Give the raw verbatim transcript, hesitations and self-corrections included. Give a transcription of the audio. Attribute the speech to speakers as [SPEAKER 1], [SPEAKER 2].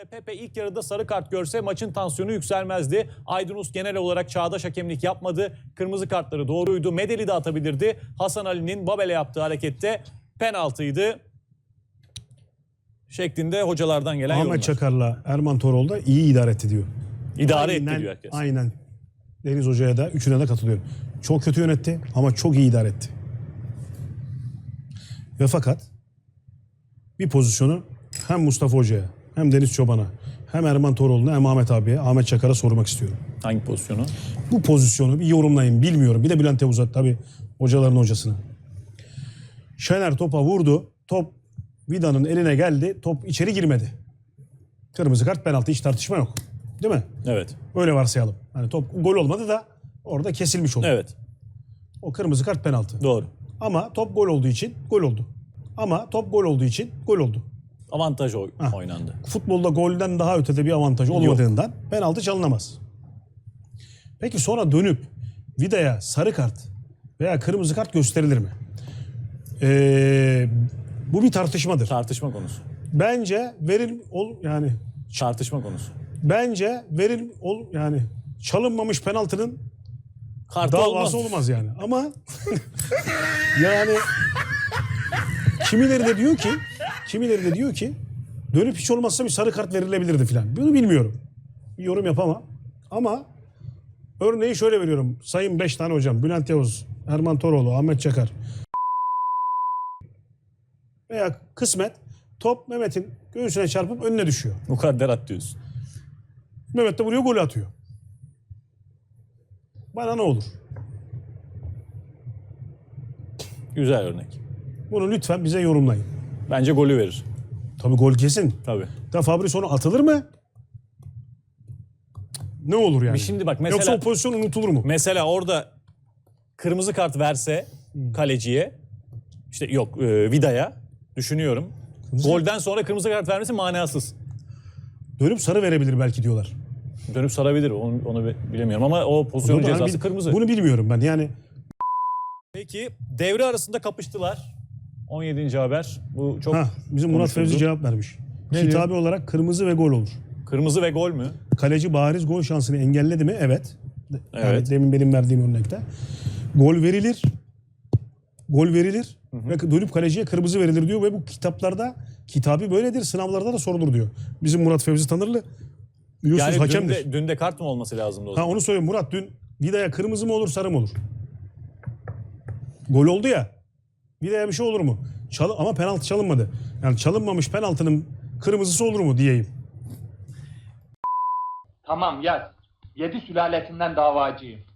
[SPEAKER 1] Pepe ilk yarıda sarı kart görse maçın tansiyonu yükselmezdi. Aydınus genel olarak çağdaş hakemlik yapmadı. Kırmızı kartları doğruydu. Medeli de atabilirdi. Hasan Ali'nin Babel'e yaptığı harekette penaltıydı şeklinde hocalardan gelen
[SPEAKER 2] Ahmet
[SPEAKER 1] yorumlar.
[SPEAKER 2] Çakar'la Erman Toroğlu da iyi idare etti diyor.
[SPEAKER 1] İdare
[SPEAKER 2] aynen,
[SPEAKER 1] etti diyor herkes. Aynen.
[SPEAKER 2] Deniz Hoca'ya da üçüne de katılıyorum. Çok kötü yönetti ama çok iyi idare etti. Ve fakat bir pozisyonu hem Mustafa Hoca'ya hem Deniz Çoban'a hem Erman Toroğlu'na hem Ahmet abiye, Ahmet Çakar'a sormak istiyorum.
[SPEAKER 1] Hangi pozisyonu?
[SPEAKER 2] Bu pozisyonu bir yorumlayın, bilmiyorum. Bir de Bülent Yavuz'a, tabii hocaların hocasına. Şener topa vurdu. Top Vida'nın eline geldi. Top içeri girmedi. Kırmızı kart, penaltı, hiç tartışma yok. Değil mi?
[SPEAKER 1] Evet.
[SPEAKER 2] Öyle varsayalım. Hani top gol olmadı da orada kesilmiş oldu.
[SPEAKER 1] Evet.
[SPEAKER 2] O kırmızı kart, penaltı.
[SPEAKER 1] Doğru.
[SPEAKER 2] Ama top gol olduğu için gol oldu. Ama top gol olduğu için gol oldu.
[SPEAKER 1] Avantaj oy
[SPEAKER 2] Heh.
[SPEAKER 1] oynandı.
[SPEAKER 2] Futbolda golden daha ötede bir avantaj olmadığından penaltı çalınamaz. Peki sonra dönüp Vida'ya sarı kart veya kırmızı kart gösterilir mi? Ee, bu bir tartışmadır.
[SPEAKER 1] Tartışma konusu.
[SPEAKER 2] Bence veril ol yani
[SPEAKER 1] Tartışma konusu.
[SPEAKER 2] bence veril ol yani çalınmamış penaltının
[SPEAKER 1] Kartı
[SPEAKER 2] davası
[SPEAKER 1] olmaz.
[SPEAKER 2] olmaz yani. Ama yani kimileri de diyor ki kimileri de diyor ki dönüp hiç olmazsa bir sarı kart verilebilirdi filan. Bunu bilmiyorum. Bir yorum yapamam. Ama örneği şöyle veriyorum. Sayın beş tane hocam. Bülent Yavuz, Erman Toroğlu, Ahmet Çakar. Veya kısmet top Mehmet'in göğsüne çarpıp önüne düşüyor.
[SPEAKER 1] Mukadderat diyorsun.
[SPEAKER 2] Mehmet de vuruyor, golü atıyor. Bana ne olur?
[SPEAKER 1] Güzel örnek.
[SPEAKER 2] Bunu lütfen bize yorumlayın.
[SPEAKER 1] Bence golü verir.
[SPEAKER 2] Tabii gol kesin.
[SPEAKER 1] Tabii.
[SPEAKER 2] Da Fabri sonra atılır mı? Ne olur yani?
[SPEAKER 1] Şimdi bak mesela,
[SPEAKER 2] Yoksa o pozisyon unutulur mu?
[SPEAKER 1] Mesela orada kırmızı kart verse kaleciye, işte yok e, Vida'ya düşünüyorum.
[SPEAKER 2] Kırmızı-
[SPEAKER 1] Golden sonra kırmızı kart vermesi manasız.
[SPEAKER 2] Dönüp sarı verebilir belki diyorlar.
[SPEAKER 1] Dönüp sarabilir, onu, onu bilemiyorum ama o pozisyonun
[SPEAKER 2] Bunu-
[SPEAKER 1] cezası
[SPEAKER 2] bil-
[SPEAKER 1] kırmızı.
[SPEAKER 2] Bunu bilmiyorum ben yani.
[SPEAKER 1] Peki devre arasında kapıştılar. on yedinci haber. Bu çok
[SPEAKER 2] Ha, bizim Murat
[SPEAKER 1] konuşuldu.
[SPEAKER 2] Fevzi cevap vermiş.
[SPEAKER 1] Ne
[SPEAKER 2] Kitabi olarak kırmızı ve gol olur.
[SPEAKER 1] Kırmızı ve gol mü?
[SPEAKER 2] Kaleci bariz gol şansını engelledi mi? Evet. Yani
[SPEAKER 1] Evet.
[SPEAKER 2] demin benim verdiğim örnekte. Gol verilir. Gol verilir. Ve dönüp kaleciye kırmızı verilir diyor. Ve bu kitaplarda, kitabi böyledir. Sınavlarda da sorulur diyor. Bizim Murat Fevzi Tanırlı biliyorsunuz
[SPEAKER 1] Yani
[SPEAKER 2] hakemdir.
[SPEAKER 1] dün de, dün de kart mı olması lazımdı o
[SPEAKER 2] Ha
[SPEAKER 1] zaman?
[SPEAKER 2] onu söyleyeyim Murat, dün Vida'ya kırmızı mı olur, sarı mı olur? Gol oldu ya. Vida'ya bir şey olur mu? Çal ama penaltı çalınmadı. Yani çalınmamış penaltının kırmızısı olur mu diyeyim.
[SPEAKER 3] Tamam yaz. Yedi sülalesinden davacıyım.